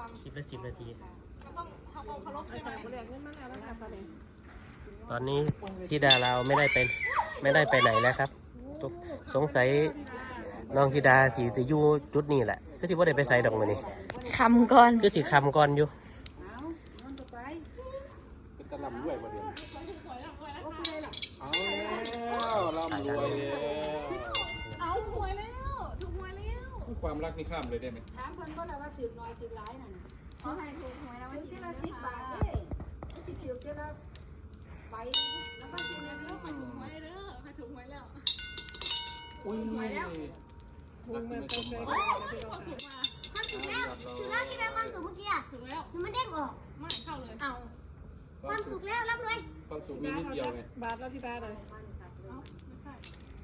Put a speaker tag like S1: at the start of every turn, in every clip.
S1: 10 นาที
S2: ก็ต้องทำองค์เคารพใช่ไหม
S1: ตอนนี้ที่ดาเราไม่ได้ไปไหนแล้วครับสงสัยน้องธิดาที่จะอยู่จุดนี้แหละก็สิว่าได้ไปใส่ดอกมือนี่
S3: คำก่อน
S1: ก็สิคำก่อนอยู่
S4: เป็นตะลำด้วยประเดี๋ยวลำรวยแล้ว
S2: เอาหวยแล้วถูกหวยแล้ว
S4: ความรักนี่ข้ามเลยได้ไหม
S5: ถามคนก็แล้วว่าถึงน้อยถึงร้ายนั่น
S2: เขาให้ถูกหวยแล้ววัน
S5: ถึง
S2: ที่
S5: ที่ละ10 บาทเด้สิถึงที่ละไปแล้วก็ถึงแล้ว
S2: ใครถูกหวยเด้อใครถูกหวยแล้ว
S4: อุ้ยรักที่ไม่สมหวัง
S2: ความถูกมา
S6: ความสุขแล้วถึงแล้วที่แม่ความสุขเมื่อกี้อ่ะ
S2: ถูกแล้ว
S6: มันเด้งออก
S2: ไม่เข้าเลยเอา
S6: ความสุขแล้วรับเลย
S4: ความสุขมีนิดเดียวไง
S3: บาทแล้วที่บาทเลย
S2: เอาไม่ใช่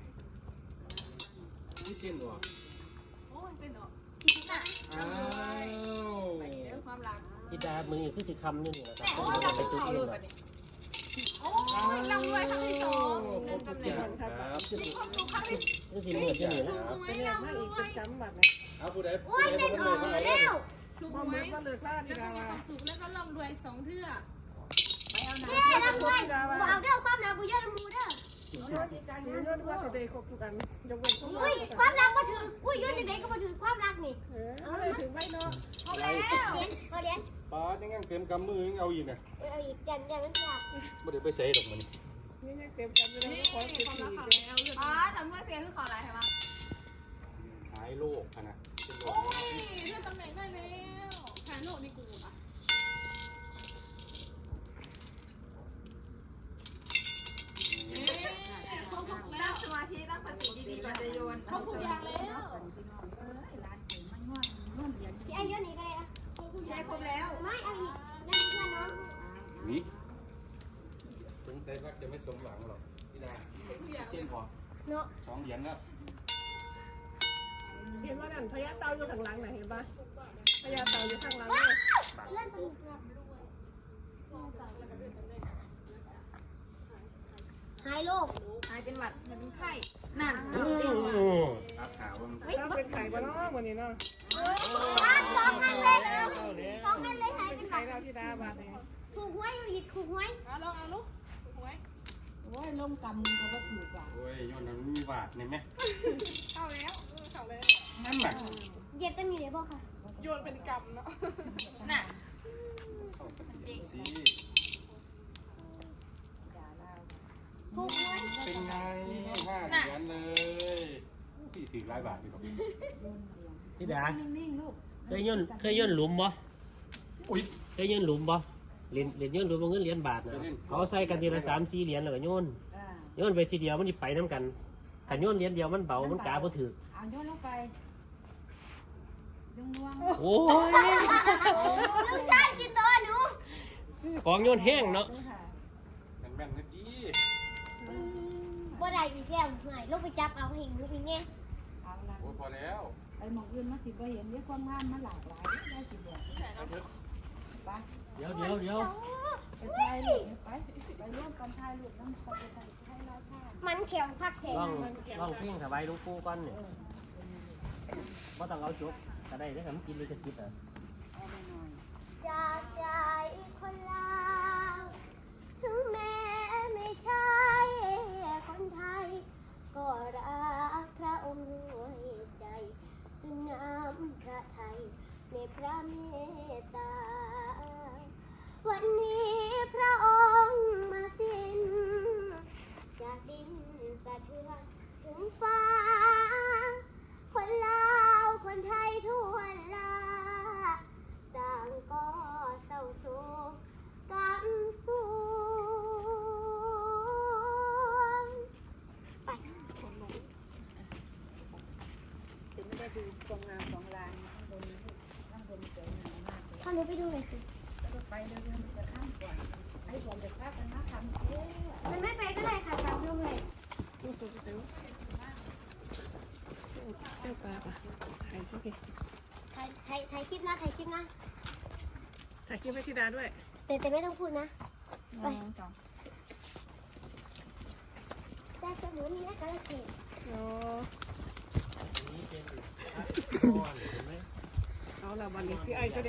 S4: นี่เก่งว่ะ
S2: โอ้ยเป็นดอก
S4: อ้าว
S2: เรื่องความรัก
S1: ธิดามือคือสิคำอยู่นี่แหละครับต้องไปจุดนี้หรอก
S2: โอ้ยลำรวยครั้งที่ 2
S4: ครบทุกอย่างครับ
S2: ความสุขครั้งที่
S1: ก็สิเหมือนอยู่นี่แหละ
S2: ถูกหวยลำรวย
S4: เอาผู้ใด
S6: โอ้ยเด้งออกอีกแล้ว
S2: ถูกหวยแล้วก็มีความสุขแล้วก็ร่ำรวย2 เทื่อ
S6: เย้รับเลยกูเอาเด้อความรักกูเยอะน้ำมูเด้ออุ้ยความรักมาถืออุ้ยยืนเด็กๆก็มาถือความรักนี่เอาแล้ว
S2: เอาแล้ว
S6: เอาเดี๋ยว
S4: ป้ายังงั้นเต็มกำมือยังเอาอีกนะ
S6: เอาอีกยันมันอยาก
S4: ไม่ได้ไปใส่ดอกมัน
S2: นี่ความรักเขาแล้วอ๋อทำเมื่อเพียงคือขออะไรใช่ไหม
S4: หายโรคนะ
S2: โอ้ยเลื่อนตำแหน่งได้แล้วแทนโลกนี่กูอ่ะเขาถูกแล้ว
S5: สมาธิตั้งสติดีๆก่อนจะโยน
S2: เขาถูกอย่างแล้ว
S6: พี่ไอ้เยอะนี่ก็ได้นะ
S5: ได้ครบแล้ว
S6: ไม่เอาอีกนั่นเพื่อนน้อง
S4: วิสงสัยว่าจะไม่สมหวังหรอกพี่ดาเก่งพอ
S6: เนาะ
S4: 2 เหรียญแล้ว
S3: เห็นว่านั่นพญาเต่าอยู่ข้างหลังไหนเห็นปะพญาเต่าอยู่ข้างหลังเลย
S6: เล่นสนุกหายโรค
S5: หายเป็นหวัดเป็นไข้นั่น
S4: รักหาว่ามัน
S3: ถ้าเป็นไข่บ้านนอกวันนี้เนาะ
S6: 2 อันเลย2 อันเลยหายเป็นแบ
S3: ไข่
S6: บ
S3: เราที่ดาบาทเนี่ย
S6: ถูกหวยอีกถูกหวย
S2: เอาลองเอาลูกถูกหวย
S5: โอ้ยลงกำเขาก็ถูกอ่ะ
S4: โอ้ยย้อนนั้นมีบาทในไหม
S2: เข้าแล้วเข้าแล้ว
S4: นั่นแหละ
S6: เหยียบกันนี่เลยพ่อค่ะ
S2: โยนเป็นกรรมเนาะน่ะ
S4: เข้าสติสิ
S6: ถูกหวย
S4: เป็นไง5 เหรียญเลยพี่ถือ100 บาทดีกว่า
S1: ธิดา
S5: นิ่งๆลูก
S1: เคยย่นหลุมบ่
S4: อุ้ย
S1: เคยย่นหลุมบ่เหรียญย่นหลุมเงินเหรียญบาทนะเขาใส่กันทีละ3-4 เหรียญแล้วก็โยนไปทีเดียวมันสิไปน้ำกันถ้าโยนเหรียญเดียวมันเบามันกาบ่ถือ
S5: เอาโยนลงไปดวง
S1: โอ้ย
S6: ลูกชายกินตัวหนู
S1: ของโยนแห้งเนาะ
S4: แม่นๆนะจี
S6: บ่ได้อีกแล้วเหนื่อยลูกไปจับเอาให้หนูอีกเนี่ย
S5: เอาละ
S4: โอ้ยพอแล้ว
S5: ไปหมองอื่นมาสิบ่เห็นเยอะความงามมันหลากหลายได้สิบอกไป
S1: เดี๋ยว
S5: ไปถ่ายรูปไปร่วมกันถ่ายรูปน้ำตกไปถ่ายลายผ้า
S6: มันแข็งคักแข็ง
S1: ลองเพ่งถวายหลวงปู่ก่อนเนี่ยบ่ต้องเอาจบก็ได้แล้วก็มันกินเลยจะคิดอ่ะ
S5: เอาไปหน่อย
S6: จากใจคนลาวถึงแม้ไม่ใช่คนไทย ก็รักพระองค์ด้วยใจ ซึ่งน้ำพระไทยในพระเมตตา วันนี้พระองค์มาสิ้น จากดินสะเทือนถึงฟ้า คนลาวคนไทยทั่วลาต่างก็เศร้าโศกกำสูงไป
S5: ถึงไม่ได้ดูความงามของลานข้างบนสวยงามมากเลย
S6: ถ้าหนูไปดูหน่อยสิ
S5: แล้วก็ไปเรื่อยๆจะข้ามก่อนไอ้ผมจะพากันมาทำเอ๊ะ
S6: มันไม่ไปก็ได้ค่ะตามดูเลย
S3: ดูสุดเสียวเจ้าปลาปะถ่ายโอเค
S6: ถ่ายคลิปนะถ่ายคลิปนะ
S3: ถ่ายคลิปให้ธิดาด้วย
S6: แต่ไม่ต้องพูดนะ
S5: ไป
S6: แต่จะหนูนี่นะกระเกด
S3: โอ้เอาละวันนี้ที่ไอ้จะ